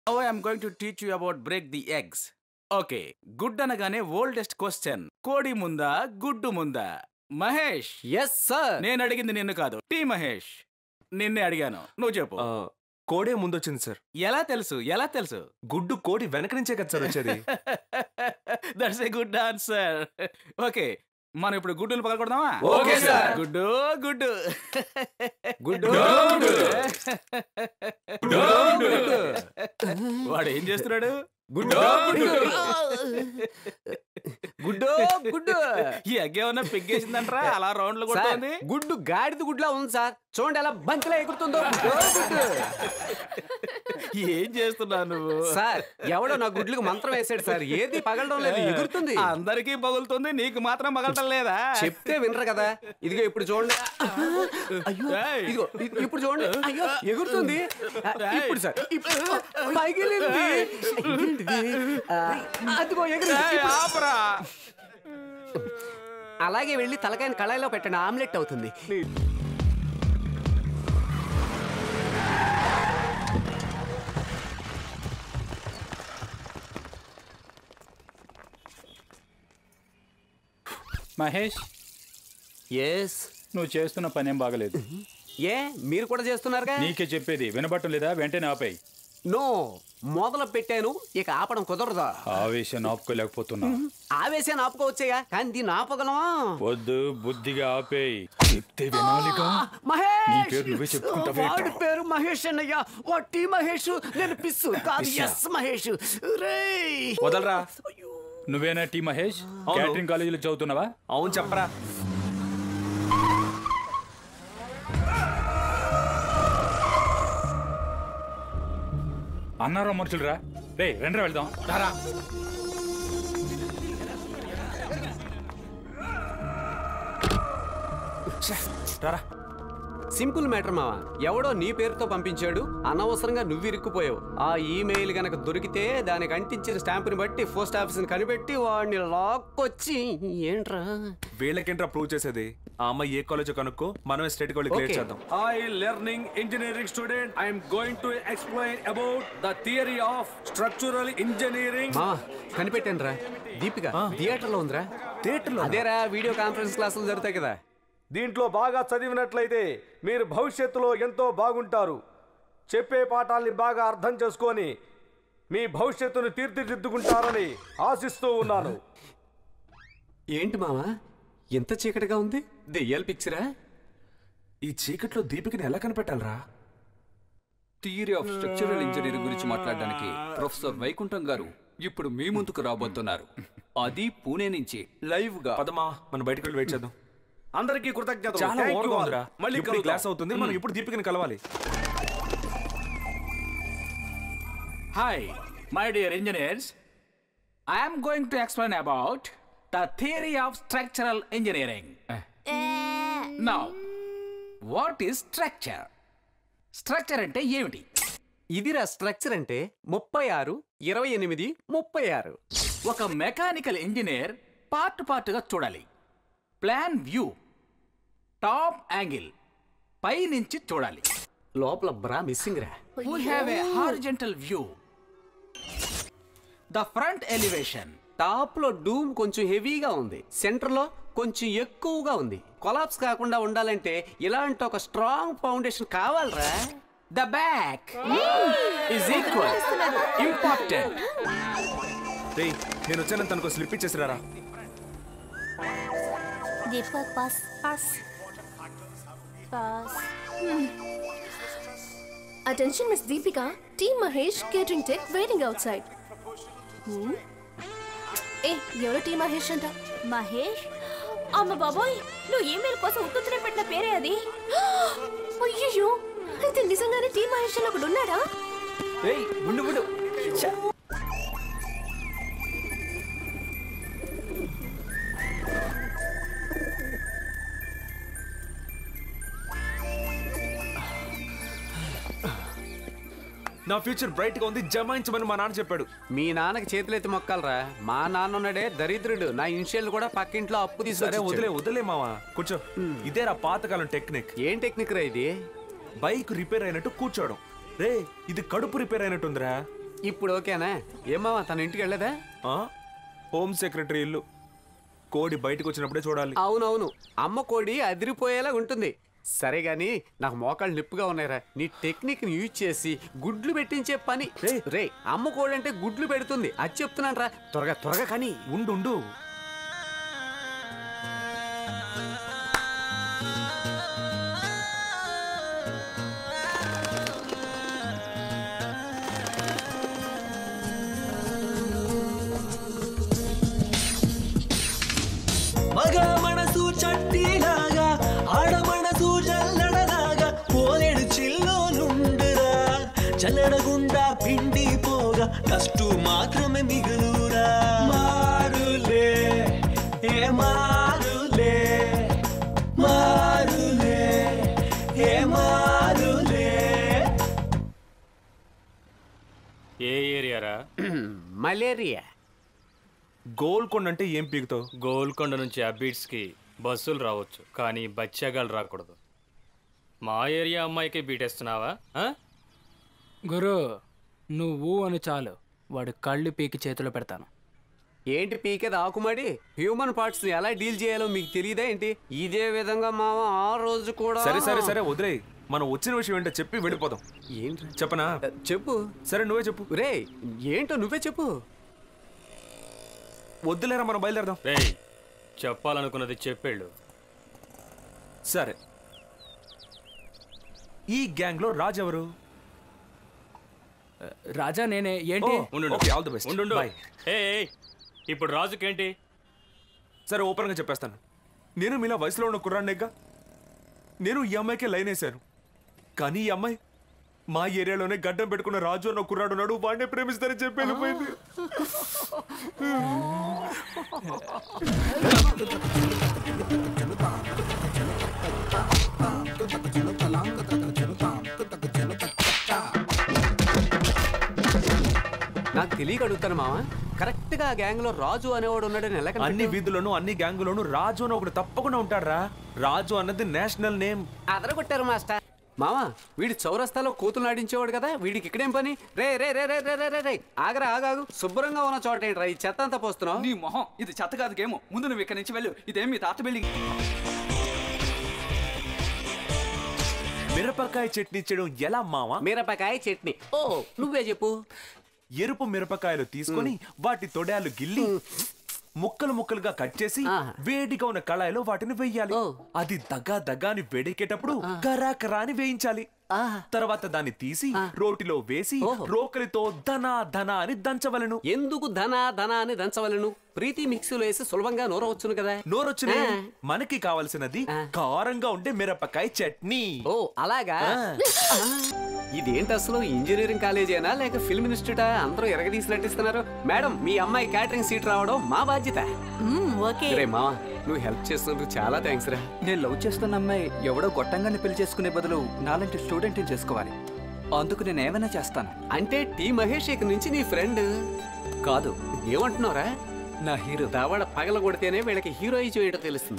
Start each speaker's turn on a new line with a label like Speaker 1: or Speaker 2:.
Speaker 1: Now I am going to teach you about break the eggs. Okay, గుడ్ అనగానే oldest question, కోడి ముందా గుడ్డు ముందా? మహేష్.
Speaker 2: Yes sir.
Speaker 1: నేను అడిగింది నిన్ను కాదు, టీ మహేష్. నిన్నే అడిగాను, నువ్వు చెప్పు.
Speaker 3: కోడే ముందొచ్చింది సార్.
Speaker 1: ఎలా తెలుసు? ఎలా తెలుసు?
Speaker 3: గుడ్డు కోడి వెనక నుంచే కదా సార్ వచ్చేది.
Speaker 1: That's a good answer. Okay, మనం ఇప్పుడు గుడ్డులు పగలకూడదామా?
Speaker 2: Okay sir.
Speaker 1: గుడ్డు గుడ్డు
Speaker 2: గుడ్డు
Speaker 1: వాడు ఏం చేస్తున్నాడు?
Speaker 2: గుడ్డు గుడ్డు గుడ్డు
Speaker 1: ఈ అగ్గేమన్నా పిగ్గేసిందంటరా అలా రౌండ్లు కొడుతుంది?
Speaker 2: గుడ్డు గాడిద గుడ్లా ఉంది సార్, చూడండి ఎలా బంతిలా ఎగురుతుందో.
Speaker 1: ఏం చేస్తున్నావు నువ్వు?
Speaker 2: సార్ ఎవడో నా గుడ్లకు మంత్రం వేసాడు సార్, ఏది పగలడం లేదు, ఎగురుతుంది.
Speaker 1: అందరికీ పగులుతుంది, నీకు మాత్రం పగలటం లేదా?
Speaker 2: చెప్తే వినరు కదా. ఇదిగో ఇప్పుడు చూడండి, అయ్యో ఇదిగో ఇప్పుడు చూడండి, అయ్యో ఎగురుతుంది. ఇప్పుడు సార్ పగిలింది, అదిగో ఎగురు. అలాగే వెళ్ళి తలకాయని కళాయిలో పెట్టండి, ఆమ్లెట్ అవుతుంది.
Speaker 1: మహేష్,
Speaker 2: ఎస్.
Speaker 1: నువ్వు చేస్తున్న పనేం బాగలేదు.
Speaker 2: ఏ మీరు కూడా చేస్తున్నారుగా?
Speaker 1: నీకే చెప్పేది వినబట్టం లేదా? వెంటనే ఆపేయి.
Speaker 2: నో, మొదలు పెట్టాను, ఇక ఆపడం కుదరదా?
Speaker 1: ఆవేశం ఆపుకోలేకపోతున్నా.
Speaker 2: ఆవేశాన్ని ఆపుకోవచ్చేగా, కానీ దీన్ని ఆపగలమా?
Speaker 1: వద్దు, బుద్ధిగా ఆపేయి. చెప్తే వినాలిగా.
Speaker 2: మహేష్,
Speaker 1: నీ పేరు నువ్వే చెప్పుకుంటావే.
Speaker 2: వాడి పేరు మహేష్ అన్నయ్య, వాటి మహేష్. నేను పిస్సు కాదు, ఎస్ మహేష్. రేయ్
Speaker 3: వదలరా.
Speaker 1: నువ్వేనా టీ మహేష్? క్యాటరింగ్ కాలేజీలో చదువుతున్నావా?
Speaker 3: అవును చెప్పరా.
Speaker 1: అన్నారా మనుషులురా? రే రెండ్రా వెళ్దాం. రారా.
Speaker 3: రారా.
Speaker 2: సింపుల్ మ్యాటర్ మావా, ఎవడో నీ పేరుతో పంపించాడు, అనవసరంగా నువ్వు ఇరుక్కుపోయావు. ఆ ఈమెయిల్ గనక దొరికితే దానికి అంటించిన స్టాంపుని బట్టి పోస్ట్ ఆఫీస్ని కనిపెట్టి వాడిని లాక్కొచ్చి. ఏంట్రా
Speaker 3: వీళ్ళకేంట్రా ప్రూవ్ చేసేది? ఆ అమ్మాయి ఏ కాలేజ్ కనుక్కో, మనమే స్టేట్ కాలేజ్ క్లియర్ చేద్దాం.
Speaker 4: I learning engineering student. I am going to explain about the theory of structural engineering.
Speaker 2: మా కనిపెట్టాను రా, దీపిక థియేటర్లో ఉందిరా.
Speaker 3: థియేటర్లో?
Speaker 2: అదేరా, వీడియో కాన్ఫరెన్స్ క్లాసులు జరుగుతాయి కదా.
Speaker 4: దీంట్లో బాగా చదివినట్లయితే మీరు భవిష్యత్తులో ఎంతో బాగుంటారు. చెప్పే పాఠాల్ని బాగా అర్థం చేసుకొని మీ భవిష్యత్తును తీర్చిదిద్దుకుంటారని ఆశిస్తూ ఉన్నాను.
Speaker 2: ఏంటి మావా ఎంత చీకటిగా ఉంది? దెయ్యాల పిక్చరా?
Speaker 3: ఈ చీకట్లో దీపికని ఎలా కనిపెట్టాలరా?
Speaker 5: థియరీ ఆఫ్ స్ట్రక్చరల్ ఇంజనీరింగ్ గురించి మాట్లాడడానికి ప్రొఫెసర్ వైకుంఠం గారు ఇప్పుడు మీ ముందుకు రాబోతున్నారు. అది పూణే నుంచి లైవ్ గా.
Speaker 3: పదమా, మనం బయటకు వెళ్ళి వెయిట్ చేద్దాం.
Speaker 4: అందరికీ కృతజ్ఞతలు.
Speaker 3: చాలా ఓవర్గా ఉందిరా.
Speaker 4: మళ్ళీ
Speaker 3: ఇప్పుడు క్లాస్ అవుతుంది, మనం ఇప్పుడు దీపికని కలవాలి.
Speaker 1: Hi, my dear engineers. I am going to explain about the theory of structural engineering. Now, what is structure? Structure అంటే ఏమిటి?
Speaker 2: ఇదిరా స్ట్రక్చర్ అంటే 36, 28, 36.
Speaker 1: ఒక మెకానికల్ ఇంజనీర్ పార్ట్గా చూడాలి. ప్లాన్ వ్యూ, టాప్ యాంగిల్, పై నుంచి చూడాలి.
Speaker 2: లోపల బ్రా మిస్సింగ్ రా.
Speaker 1: We have a horizontal view. The front elevation.
Speaker 2: Top లో డూమ్ కొంచెం హెవీగా ఉంది, సెంటర్ లో కొంచెం ఎక్కువగా ఉంది. కొలాప్స్ కాకుండా ఉండాలంటే ఇలాంటి ఒక స్ట్రాంగ్ ఫౌండేషన్ కావాలరా.
Speaker 1: The back is equal important.
Speaker 3: రేయ్, నేను వచ్చాను, తనకు స్లిప్ ఇచ్చేసిరారా.
Speaker 6: Deepak, pass. Attention, Miss Deepika. Team Mahesh, catering tech, waiting outside. Hey, ఎవరు టీ మహేష్ అంట?
Speaker 7: మహేష్? అమ్మ బాబోయ్, నువ్వు ఈమెయిల్ కోసం ఉత్తునే పెట్టిన పేరే అది.
Speaker 6: అయ్యో, అయితే నిజంగానే టీ మహేష్ అని ఒకడు ఉన్నాడా?
Speaker 2: ఏయ్ ఉండు.
Speaker 3: నా ఫ్యూచర్ బ్రైట్ గా ఉంది, జమాయించమని మా నాన్న చెప్పాడు.
Speaker 2: మీ నాన్నకి చేతులెత్తి మొక్కాలరా. మా నాన్న ఉన్నాడే దరిద్రుడు, నా ఇనిషియల్ కూడా పక్కింట్లో అప్పు తీసుకొచ్చి.
Speaker 3: వదిలే మావా, కూర్చో. ఇదేరా పాతకాలం టెక్నిక్.
Speaker 2: ఏం టెక్నిక్ రా ఇది?
Speaker 3: బైక్ రిపేర్ అయినట్టు కూర్చోవడం. రే, ఇది కడుపు రిపేర్ అయినట్టుందిరా.
Speaker 2: ఇప్పుడు ఓకేనా? ఏమావా తన ఇంటికి వెళ్ళదా?
Speaker 3: హోమ్ సెక్రటరీ ఇల్లు. కోడి బయటకు వచ్చినప్పుడే చూడాలి.
Speaker 2: అవునవును, అమ్మ కోడి అదిరిపోయేలా ఉంటుంది. సరే గాని నాకు మోకాళ్ళు నొప్పిగా ఉన్నాయిరా. నీ టెక్నిక్ ని యూజ్ చేసి గుడ్లు పెట్టించే పని. రే అమ్మ కోడి అంటే గుడ్లు పెడుతుంది, అది చెప్తున్నాను రా. త్వరగా త్వరగా కానీ.
Speaker 3: ఉండు.
Speaker 8: మగ మనసు చట్టిలాగా ఆడ మనసు జల్లడలాగా పోలేడు చిల్లో నుండురా. చల్లడగుండా పిండి పోగా కష్టు మాత్రమే మిగులురా. మారులే ఏ మారులే, మారులే ఏ మారులే.
Speaker 9: ఏ ఏరియారా?
Speaker 2: మలేరియా.
Speaker 3: గోల్కొండ అంటే ఏం పీకుతావు?
Speaker 9: గోల్కొండ నుంచి అబీట్స్కి బస్సులు రావచ్చు, కానీ బచ్చాగాలు రాకూడదు. మా ఏరియా అమ్మాయికి బీటేస్తున్నావా?
Speaker 10: గురు నువ్వు అని చాలు, వాడు కళ్ళు పీకి చేతిలో పెడతాను.
Speaker 2: ఏంటి పీకేది ఆకుమడి? హ్యూమన్ పార్ట్స్ ఎలా డీల్ చేయాలో మీకు తెలియదా ఏంటి? ఇదే విధంగా మామ ఆ రోజు కూడా.
Speaker 3: సరే వదిలే. మనం వచ్చిన విషయం ఏంటో చెప్పి వెళ్ళిపోదాం.
Speaker 2: ఏంటి
Speaker 3: చెప్పనా?
Speaker 2: చెప్పు.
Speaker 3: సరే నువ్వే చెప్పు.
Speaker 2: రే ఏంటో నువ్వే చెప్పు.
Speaker 3: వద్దులేరా, మనం బయలుదేరదాం.
Speaker 9: రేయ్, చెప్పాలనుకున్నది చెప్పేళ్ళు.
Speaker 3: సరే, ఈ గ్యాంగ్ లో రాజు ఎవరు?
Speaker 10: రాజా నేనే. ఏంటి?
Speaker 3: All the best.
Speaker 9: ఉండు. ఇప్పుడు రాజుకేంటి?
Speaker 3: సరే ఓపెన్ గా చెప్పేస్తాను. నేను మీలా వయసులో ఉన్న కుర్రాన్నేగా. నేను ఈ అమ్మాయికే లైన్ వేశాను, కానీ ఈ అమ్మాయి మా ఏరియాలోనే గడ్డం పెట్టుకున్న రాజు అన్న కుర్రాడు ఉన్నాడు, వాడినే ప్రేమిస్తారని చెప్పి వెళ్ళిపోయింది.
Speaker 2: నాకు తెలియక అడుగుతాను మామ, కరెక్ట్ గా గ్యాంగ్ లో రాజు అనేవాడు ఉన్నాడని ఎలా?
Speaker 3: అన్ని వీధుల్లోనూ అన్ని గ్యాంగులోనూ రాజు అని ఒకటి తప్పకుండా ఉంటాడు రా. రాజు అన్నది నేషనల్ నేమ్.
Speaker 2: అదరగొట్టారు మాస్టర్. మామా వీడి చౌరస్తాలో కూతులు నాటించేవాడు కదా, వీడికి ఇక్కడేం పని? రే రే రే రే రే రే రే ఆగరా ఆగాగు. శుభ్రంగా ఉన్న చోట ఏంట్రా ఈ చెత్త అంతా పోస్తున్నావు?
Speaker 5: నీ మొహం, ఇది చెత్త కాదు గేము. ముందు నువ్వు ఇక్కడి నుంచి వెళ్ళు. ఇదేం మీ తాత బిల్డింగ్.
Speaker 3: మిరపకాయ చట్నీ చేయడం ఎలా మావా?
Speaker 2: మిరపకాయ చట్నీ. ఓ నువ్వే చెప్పు.
Speaker 3: ఎరుపు మిరపకాయలు తీసుకొని వాటి తొడాలు గిల్లి ముక్కలు ముక్కలుగా కట్ చేసి వేడిగా ఉన్న కళాయిలో వాటిని వేయాలి. అది దగ్గాని వేడెక్కేటప్పుడు కరాకరా అని వేయించాలి. తర్వాత దాన్ని తీసి రోటిలో వేసి రోకలితో ధనా ధనా అని దంచవలను.
Speaker 2: ఎందుకు ధనా ధనా అని దంచవలను? ప్రీతి మిక్సీలో వేసి సులభంగా నోరవచ్చును కదా.
Speaker 3: నోరొచ్చునే. మనకి కావాల్సినది కారంగా ఉండే మిరపకాయ చట్నీ.
Speaker 2: ఓ అలాగా. ఇదేంటి అసలు ఇంజనీరింగ్ కాలేజేనా లేక ఫిల్మ్ ఇన్స్టిట్యూటా? అందరూ ఎరగదీసి నటిస్తున్నారు. మేడం మీ అమ్మాయి క్యాటరింగ్ సీట్ రావడం మా బాధ్యత. రే మావా నువ్వు హెల్ప్ చేస్తున్నందుకు చాలా థ్యాంక్స్ రా.
Speaker 5: నేను లవ్ చేస్తున్న అమ్మాయి ఎవడో గొట్టంగాన్ని పెళ్లి చేసుకునే బదులు నాలాంటి స్టూడెంట్ని చేసుకోవాలి. అందుకు నేను ఏమైనా చేస్తాను.
Speaker 2: అంటే టీ మహేష్ ఇక నుంచి నీ ఫ్రెండ్
Speaker 5: కాదు.
Speaker 2: ఏమంటున్నావురా?
Speaker 5: నా హీరో.
Speaker 2: దావాడ పగల కొడితేనే వీళ్ళకి హీరోయిజం ఏంటో తెలుస్తుంది.